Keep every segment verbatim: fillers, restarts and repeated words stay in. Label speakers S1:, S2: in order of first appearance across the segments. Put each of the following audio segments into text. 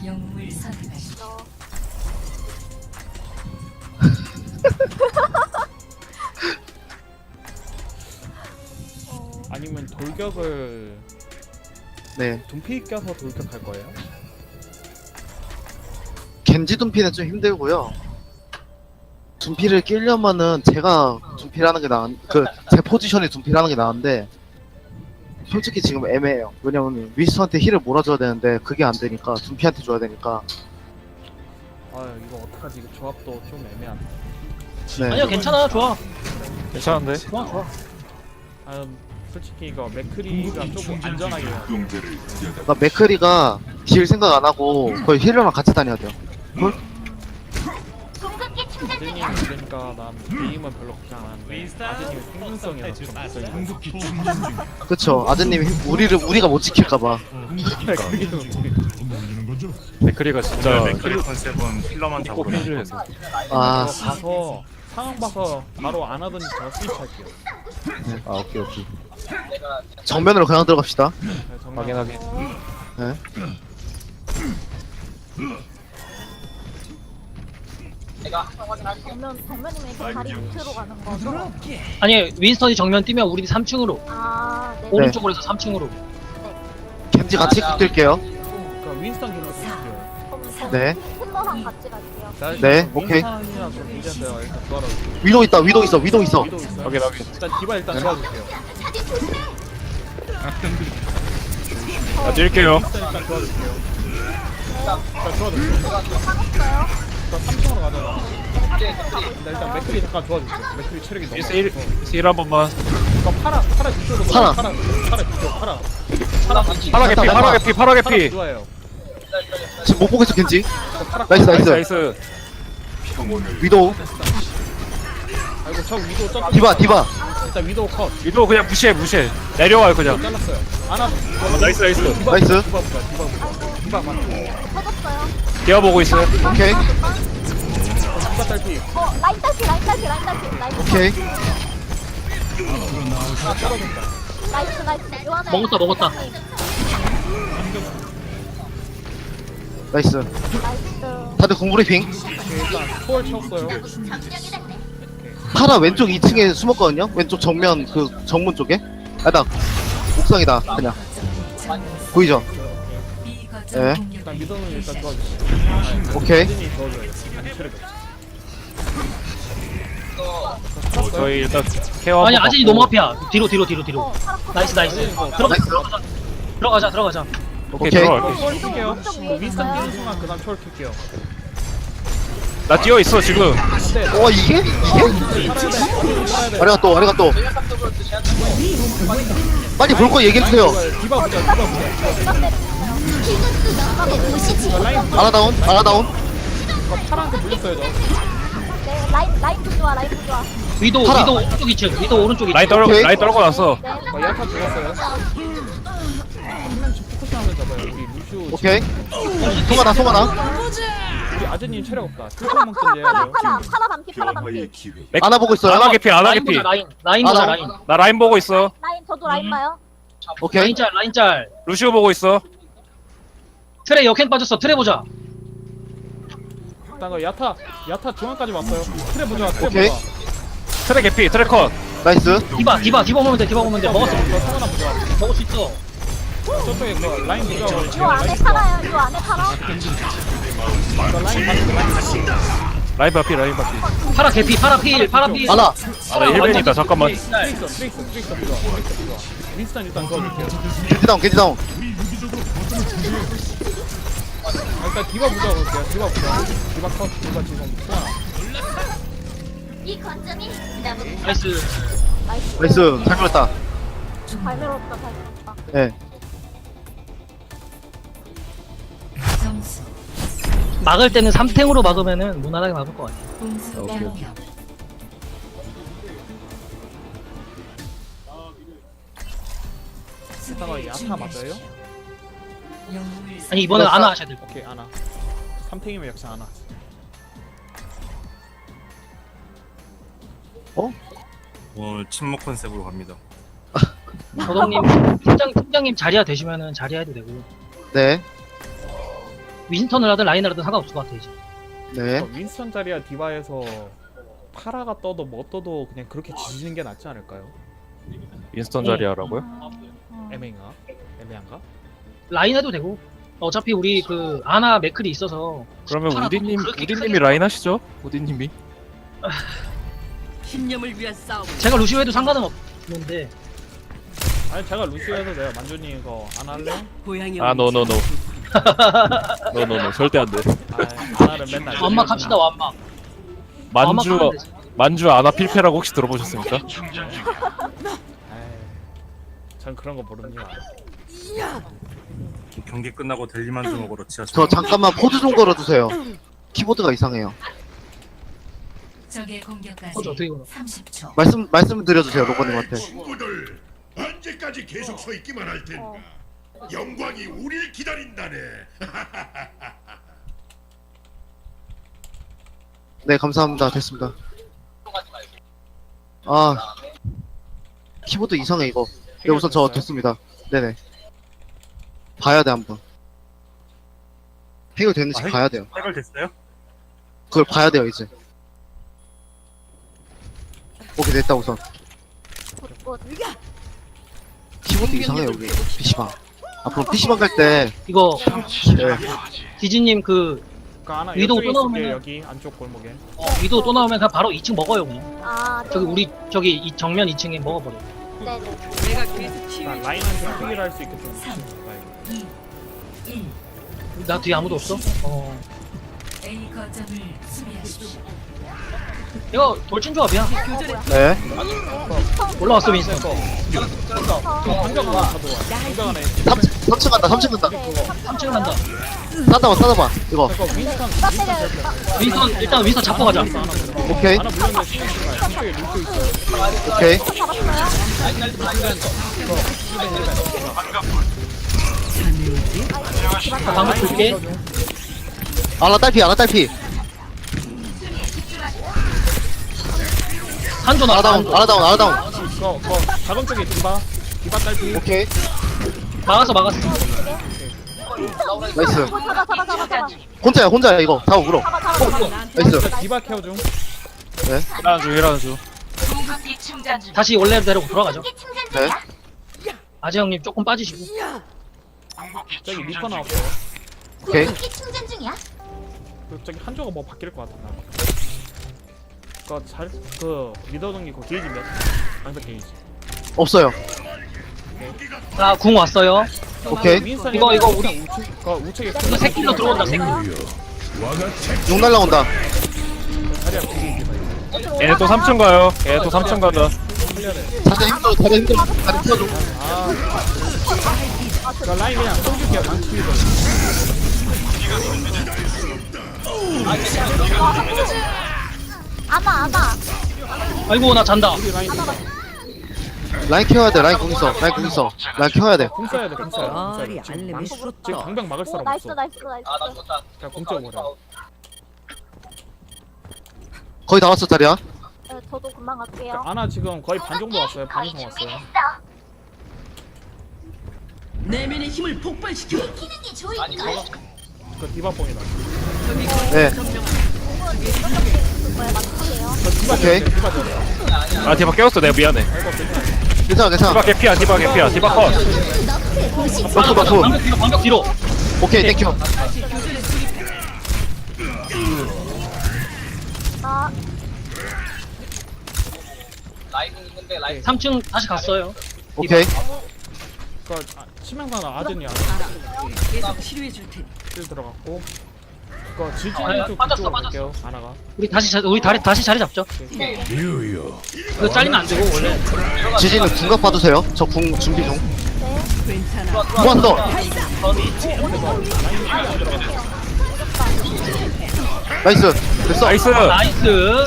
S1: 영웅을 선택하시오.
S2: 아니면 돌격을
S3: 네.
S2: 둠피 껴서 돌격할 거예요?
S3: 겐지 둔피는 좀 힘들고요. 둔피를 끼려면은 제가 둔피를 하는 게 나은, 그, 제 포지션이 둔피를 하는 게 나은데, 솔직히 지금 애매해요. 왜냐면 위스한테 힐을 몰아줘야 되는데, 그게 안 되니까, 둔피한테 줘야 되니까.
S2: 아 이거 어떡하지? 이거 조합도 좀 애매하네.
S3: 네.
S4: 아니야 괜찮아 좋아
S5: 괜찮은데?
S4: 좋아 좋아
S2: 아 솔직히 이거 맥크리가 조금 안전하게 해야 돼.
S3: 그러니까 맥크리가 딜 생각 안 하고, 거의 힐러랑 같이 다녀야 돼요.
S2: 아드님 그러니까 난 게임은 별로 걱정 안 하는데 아드님의 생존성이라서 좀 걱정이
S3: 그쵸. 아드님이 힐- 우리를, 우리가 못 지킬까봐.
S2: 그게 좀
S5: 맥크리가 진짜
S6: 맥크리 컨셉은 힐러만
S5: 꼭
S6: 잡으러
S5: 필요해서.
S3: 아,
S2: 이거 가서 상황 봐서 바로 안 하든지 제가 스위치 할게요.
S5: 아 오케이 오케이.
S3: 정면으로 그냥 들어갑시다.
S2: 네, 정말
S5: 확인 확인.
S3: 네.
S7: 정면, 정면이면 이렇게 다리 밑으로 가는 거죠?
S4: 아니 윈스턴이 정면 뛰면 우리 삼 층으로
S7: 아, 네.
S4: 오른쪽으로 해서 삼 층으로
S3: 겐지 같이 뛸게요.
S2: 그러니까 윈스턴 길로 드릴게요.
S3: 네.
S7: 힐러랑 같이 갈게요.
S2: 자,
S3: 네,
S2: 일단
S3: 오케이.
S2: 윈스턴이랑 좀 문제인데요. 일단 도와주세요.
S3: 위도 있다, 위도 있어, 위도 있어.
S2: 위도 있어요.
S5: 확인 확인.
S2: 일단 디바 일단 도와줄게요.
S5: 나 뛸게요.
S2: 윈스턴 일단 도와줄게요. 일단 도와줄게요. 일단 삼 층으로 가자. 일단, 일단 맥크리 잠깐 도와주세요. 맥크리 체력이 너무
S5: 미스 일
S2: 없어서.
S5: 미스 일 한 번만.
S2: 이거 파라 파라 뒤쪽으로
S3: 파라.
S2: 파라 파라 뒤쪽 파라 파라
S5: 파라 개피 파라 개피 파라
S2: 파라
S5: 개피.
S2: 좋아요.
S3: 지금 못 보고 있어, 겐지.
S2: 이거 파라
S3: 나이스, 나이스.
S5: 나이스.
S3: 위도.
S2: 아이고 저 위도 점
S3: 디바, 디바.
S2: 일단 위도 컷
S5: 위도 그냥 무시해 무시해. 내려와요 그냥.
S2: 잘랐어요. 아나
S5: 나이스 나이스.
S2: 디바
S3: 나이스.
S2: 디바 보자 디바 보자 디바 맞
S7: 터졌어요.
S5: 뛰어보고 있어요.
S3: 오케이,
S2: 디바 딸피
S7: 어, 라인 딸피, 라인 딸피, 라인 딸피, 라인 딸피.
S3: 오케이.
S2: 아 떨어졌다.
S7: 나이스, 나이스. 요한에.
S4: 먹었다 먹었다
S3: 나이스.
S7: 나이스.
S3: 다들 공브리핑.
S2: 오케이, 일단 초월 채웠어요.
S3: 파라 왼쪽 이 층에 숨었거든요. 왼쪽 정면 그 정문 쪽에. 아나 옥상이다. 그냥 보이죠?
S1: 이 거점
S3: 네.
S1: 공격.
S2: 일단 미도는 일단 도와주세요.
S3: 오케이.
S2: 아드님이 도와줘요. 아니 체력이 없어.
S5: 저희 일단 케어.
S4: 아니
S5: 한번
S4: 아진이
S5: 받고.
S4: 너무 앞이야 뒤로 뒤로 뒤로 뒤로
S7: 어, 파라 컷.
S4: 나이스 나이스 들어가
S3: 나이스.
S4: 들어가자 들어가자
S5: 오케이
S3: 오케이.
S5: 들어갈게.
S2: 초월 킬게요.
S7: 오른쪽 위에
S2: 윈스턴
S7: 있어요.
S2: 뛰는 순간 그다음 초월 킬게요.
S5: 나 뛰어 있어 지금.
S2: 근데
S3: 어 이게? 이게?
S2: 살아야 돼. 살아야 돼.
S3: 아리가 또 아리가 또. 빨리 볼 거 얘기해 주세요.
S2: 디바 보자 디바 보자. 이거 라인
S3: 아라다운, 아라다운.
S2: 이거 파란색 물렸어요 저.
S7: 네, 라인, 라인 좋아, 라인 좋아.
S4: 위도
S3: 팔아.
S4: 위도 오른쪽 이 층 위도 오른쪽 이 층
S5: 라인 떨어
S3: 오케이.
S5: 라인 떨고 났어.
S7: 네.
S2: 어, 야타 죽었어요. 한명씩 포커싱하면 잡아요. 우리 루슈
S3: 오케이. 송하나, 송하나.
S2: 우리 아드님 체력 없다. 슬퍼 먹던지 해야
S7: 파라,
S2: 돼요.
S7: 파라, 파라 반피, 파라 반피.
S5: 맥-
S3: 아나 보고 있어요.
S5: 아나 개피 아나
S4: 라인
S5: 개피.
S4: 보자 라인 라인 보자
S3: 아나.
S4: 라인
S5: 나 라인 보고 있어.
S7: 라인, 저도 라인
S4: 음.
S7: 봐요.
S3: 오케이.
S4: 라인 짤 라인 짤
S5: 루시오 보고 있어.
S4: 트레 역행 빠졌어 트레 보자
S2: 일단 그 야타 야타 중앙까지 왔어요. 트레 보자. 트레
S3: 오케이.
S2: 보자.
S5: 트랙 개피 트랙 컷.
S3: 나이스.
S4: 디바 디바 디바 보면 돼 디바 보면 돼 먹었어
S2: 이거 성하나 보자.
S4: 먹을 수 있어
S2: 저쪽에 그 라인 보자.
S7: 요 안에 파라요, 요 안에 파라.
S2: 이거 라인 봤어. 라인 봤어.
S5: 라인 바피 라인 바피.
S4: 파라 개피 파라 필 파라 필
S3: 아나.
S5: 아나 힐벤이다 잠깐만.
S2: 트레이서 트레이서 트레이서 보자. 트레이서 보자. 윈스턴 일단 도와줄게요.
S3: 겐지 다운, 겐지 다운.
S2: 아, 일단 디바 보자 볼게요. 디바 보자. 디바 컷. 디바 지금 소환.
S4: 나이스
S7: 나이스.
S3: 나이스. 잘 걸렸다.
S7: 잘 밀었다, 잘 밀었다.
S3: 예.
S1: 점수
S4: 막을 때는 삼 탱으로 막으면은 무난하게 막을 것 같아
S1: 공수
S5: 오케이,
S1: 변경.
S2: 이따가 야타 맞아요?
S1: 영웅을
S4: 아니 이번엔
S3: 그렇다.
S4: 안아 하셔야 될것
S2: 오케이 아나. 삼탱이면 역시 아나.
S6: 오늘 침묵 컨셉으로 갑니다.
S4: 같아 도동님 팀장, 팀장님 자리야 되시면은 자리야 해도 되고
S3: 네.
S4: 윈스턴을 하든 라인을 하든 상관없을 것 같아 이제.
S3: 네.
S2: 어, 윈스턴 자리야 디바에서 파라가 떠도 뭐 떠도 그냥 그렇게 지지는 게 낫지 않을까요?
S5: 윈스턴 자리 하라고요?
S7: 음.
S2: 애매한가? 애매한가?
S4: 라인 해도 되고. 어차피 우리 그 아나 맥클이 있어서.
S5: 그러면
S4: 파라도
S5: 우디님
S4: 그렇게
S5: 우디님이
S4: 크게-
S5: 라인 하시죠? 우디님이.
S1: 신념을 위한 싸움.
S4: 제가 루시오 해도 상관은 없는데.
S2: 아니 제가 루시오에서 내가 만주님 이거 안 할래?
S1: 고양이
S5: 아 노노노. 노노노 절대 안 돼.
S2: 아 아나를 맨날
S4: 완막 합시다 완막.
S5: 만주
S4: 완막하면 되지.
S5: 만주 아나 필패라고 혹시 들어보셨습니까?
S2: 아이, 전 그런 거 모릅니다.
S6: 경기 끝나고 델리만주 먹으러 지하철.
S3: 저 잠깐만 포즈 좀 걸어주세요. 키보드가 이상해요.
S1: 적의 공격까지
S4: 어저 어떻게 걸어?
S1: 삼십 초.
S3: 말씀 말씀 드려주세요 로버님한테.
S8: 친구들 언제까지 계속 서 있기만 할 텐가.
S7: 어.
S8: 영광이 우릴 기다린다네.
S3: 네 감사합니다. 됐습니다. 아 키보드 이상해 이거. 네 우선 저 됐습니다. 네네. 봐야 돼 한번. 해결됐는지
S6: 아, 해-
S3: 봐야 돼요.
S6: 해결됐어요?
S3: 그걸 봐야 돼요 이제. 오케이 됐다 우선.
S7: 굿, 굿.
S3: 키보드 이상해요 여기 피시방. 앞으로 피시방 갈 때
S4: 이거
S3: 네.
S4: 디즈님 그
S2: 그러니까 아나
S4: 위도우
S2: 이쪽에
S4: 또
S2: 있을게
S4: 나오면은-
S2: 여기 안쪽 골목에.
S4: 어, 위도 또 나오면 그냥 바로 이 층 먹어요 그냥.
S7: 아, 네.
S4: 저기 우리 저기 이 정면 이 층에 먹어버려.
S7: 네네.
S1: 내가 계속 치유.
S2: 그러니까 라인한테 크기를 할 수 있게 좀
S1: 삼.
S2: 가야겠다.
S1: 이, 일.
S4: 나 뒤에 아무도 없어? 어.
S1: A 거점을 수비하십시오.
S4: 이거 돌진 조합이야.
S3: 네.
S4: 올라왔어 윈스턴.
S2: 방벽 하나 가져와. 방벽 하나.
S3: 삼 층 간다 삼 층 간다.
S4: 삼 층 간다.
S3: 싸다봐 싸다봐 이거.
S2: 그거 윈스턴
S7: 나
S2: 윈스턴
S7: 때려.
S2: 될 거야.
S4: 윈스턴 일단 윈스턴 잡고 가자.
S2: 윈스턴 하나 가져와.
S3: 오케이
S2: 하나 물렸는데 신경 쓰지 마. 이쪽에 루트 있어.
S3: 오케이.
S4: 방금 볼게.
S3: 아나 딸피 아나 딸피.
S4: 한조
S3: 아나
S4: 나다.
S3: 다운 아나 다운 아나 다운.
S2: 그거 그거 작은 쪽에 디바. 디바 딸피.
S3: 오케이
S4: 막았어 막았어.
S3: 나이스.
S7: 어, 잡아, 잡아, 잡아, 잡아.
S3: 혼자야 혼자야 이거 다 울어.
S7: 잡아, 잡아, 잡아.
S3: 나이스.
S2: 디바 케어 중.
S5: 일하는 중 일하는 중.
S4: 다시 원래대로 돌아가죠.
S3: 네.
S4: 아재 형님 조금 빠지시고.
S2: 저기 리퍼 나왔어요.
S3: 오케이.
S2: 그 저기 한조가 뭐 바뀔 것 같아. 나. 그잘그 리더 동기 그 게이지 몇? 방벽 게이지.
S3: 없어요.
S4: 자 궁 왔어요.
S3: 오케이.
S2: 윈스턴
S4: 이거, 이거 우리-
S2: 우측 그 우측에
S4: 이거 새끼로 들어온다 새끼.
S3: 용 날라온다.
S2: 자리야 게이지.
S5: 얘네 또 삼 층 가요. 얘네 또 삼 층 가자.
S3: 자세 힘들어 자세 힘들어. 다리 펴줘.
S2: 아. 그 라인 그냥 쏘줄게요. 방치해서.
S7: 아나, 아나.
S4: 아이고 나 잔다.
S2: 우리 라인
S3: 라인 키워야 돼 라인 공 있어. 라인 공 있어. 라인 키워야 돼.
S2: 공 써야 돼. 공 써야 돼. 공 써야 돼.
S1: 머리
S2: 지금
S1: 알림이
S2: 방-
S1: 쏟다.
S2: 지금 방벽 막을
S7: 오,
S2: 사람
S7: 나이스,
S2: 없어.
S7: 나이스, 나이스.
S2: 그냥 공 찍어버려.
S3: 거의 다 왔어 자리야.
S7: 네, 저도 금방 갈게요.
S2: 아나 지금 거의 반 정도 왔어요. 반 이상 왔어요.
S1: 내면의 힘을 폭발시켜.
S2: 그 디바 뽕이다.
S3: 네.
S7: 뭐야, 맞출게요.
S2: 저 디바
S3: 오케이.
S2: 졌어요. 디바 졌어.
S5: 아 디바 깨웠어 내가 미안해.
S2: 아이고 괜찮아.
S3: 괜찮아 괜찮아.
S5: 디바 개피야 디바 개피야 디바 컷.
S3: 맞춰 맞춰.
S4: 방벽 뒤로 방벽 뒤로.
S3: 오케이 땡큐.
S7: 아,
S4: 삼 층 다시 갔어요.
S3: 오케이.
S2: 그 아, 치명상은 아드니 아드.
S1: 계속 치료해 줄 테니.
S2: 실 들어갔고. 그 질질
S4: 아,
S2: 쪽
S4: 빠졌어,
S2: 그쪽으로
S4: 빠졌어.
S2: 갈게요. 아나가.
S4: 우리 다시 자, 우리 다리 다시 자리 잡죠. 이거 잘리면 안 되고 원래.
S3: 지진은 궁각 봐주세요. 저 궁 준비 중.
S1: 괜찮아.
S3: 한 더. 나이스. 됐어.
S5: 나이스.
S4: 나이스.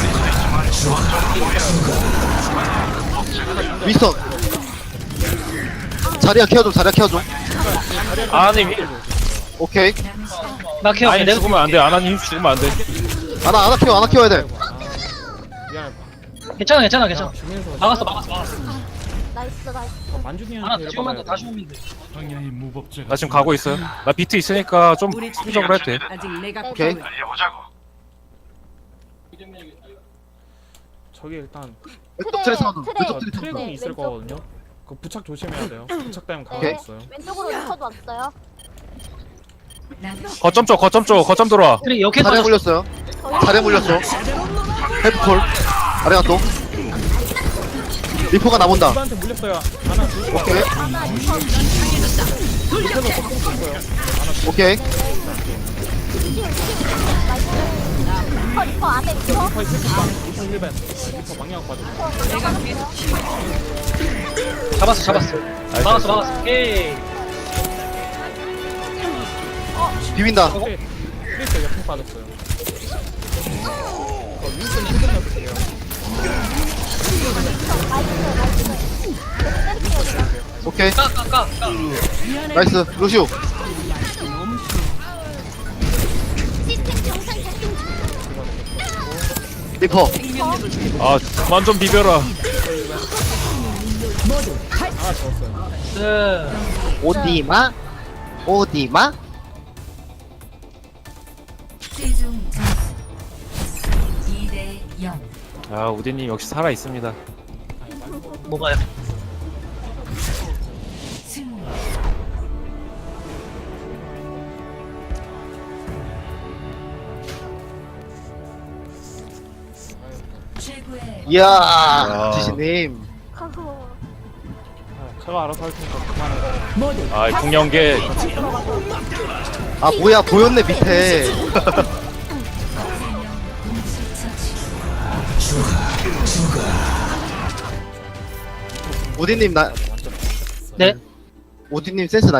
S3: 윈스턴. 자리야 키워줘 자리야 키워줘.
S5: 아님 힐.
S3: 오케이.
S4: 나 케어.
S5: 아니
S4: 내가
S5: 죽으면 안 돼. 아나님 죽으면 안 돼.
S3: 아나 아나 키워 아나 키워야 돼.
S2: 미안해.
S4: 괜찮아 괜찮아 괜찮아.
S2: 주면서
S4: 막았어 막았어 막았어.
S7: 나이스 나이스.
S4: 하나
S2: 만준이한테
S4: 지금만 더
S2: 일박아야
S4: 다시
S2: 돼.
S4: 오면 돼.
S8: 광야의 무법자가
S5: 나 지금 가고 있어요. 나 비트 있으니까 좀
S1: 우리
S5: 수비적으로 해도 돼.
S1: 아직 내가
S3: 오케이.
S1: 필요해.
S2: 저기 일단
S3: 왼쪽 트레 사운드.
S7: 트레.
S3: 왼쪽 트레
S2: 트랙이
S3: 사운드.
S7: 네,
S2: 있을
S7: 왼쪽.
S2: 거거든요. 그 부착 조심해야 돼요. 부착 되면
S3: 오케이.
S2: 가만히 있어요.
S7: 왼쪽으로 리퍼도 왔어요.
S5: 거점 쪽, 거점 쪽, 거점 들어와.
S4: 그래 여기
S3: 자리에
S4: 터졌어.
S3: 물렸어요. 자리에 물렸어. 헤드콜. 아래가 또. 리퍼가 나본다.
S2: 누구한테 물렸어요. 하나 둘.
S3: 오케이.
S7: 하나 리퍼.
S3: 오케이.
S7: 리퍼 리퍼 안에 리퍼.
S2: 리퍼 있을 거 리퍼 힐벤. 리퍼 방향 빠져.
S4: 잡았어 잡았어. 막았어 막았어. 오케이.
S3: 비빈다.
S2: 오케이. 트레이서 옆에 빠졌어요. 어, 윈슨 힐벤 넣을게요.
S3: 오케이.
S4: 까까까 까.
S3: 나이스. 루시오. 리퍼.
S5: 아, 그만 좀 비벼라.
S2: 아 좋았어요.
S4: 네.
S3: 오디마? 오디마?
S1: 최종 점수 이 대 영.
S5: 아, 우디님 역시 살아 있습니다.
S4: 뭐가요?
S1: 승리. 최고의
S3: 이야.
S5: 야.
S3: 지시님.
S2: 아, 제가 알아서 할 테니까 그만해.
S5: 아, 풍년계.
S3: 아 뭐야 보였네 밑에. 오디님 나
S4: 네.
S3: 오디님 센스 나.